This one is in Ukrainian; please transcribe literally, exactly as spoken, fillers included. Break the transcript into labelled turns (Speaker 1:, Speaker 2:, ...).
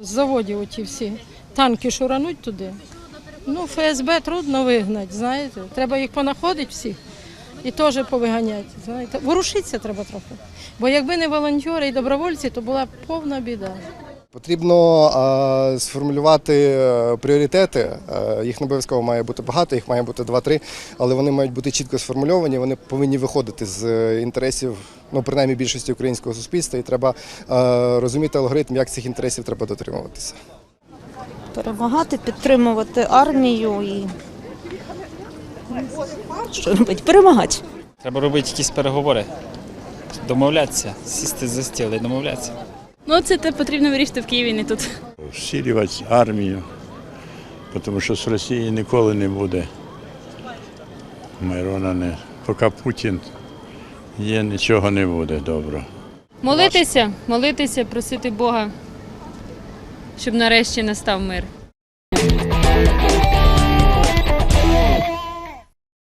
Speaker 1: з заводів оті всі танки шурануть туди. Ну, ФСБ трудно вигнати, знаєте. Треба їх понаходити всіх і теж повиганяти. Знаєте. Ворушитися треба трохи. Бо якби не волонтери і добровольці, то була б повна біда.
Speaker 2: Потрібно а, сформулювати пріоритети. А, їх не обов'язково має бути багато, їх має бути два-три, але вони мають бути чітко сформульовані, вони повинні виходити з інтересів, ну, принаймні, більшості українського суспільства, і треба а, розуміти алгоритм, як цих інтересів треба дотримуватися.
Speaker 3: Перемагати, підтримувати армію і що робити? Перемагати.
Speaker 4: Треба робити якісь переговори, домовлятися, сісти за стіл і домовлятися.
Speaker 5: Ну, це те потрібно вирішити в Києві, не тут.
Speaker 6: Всилювати армію, тому що з Росії ніколи не буде миру. Не. Поки Путін є, нічого не буде доброго.
Speaker 5: Молитися, молитися, просити Бога, щоб нарешті настав мир.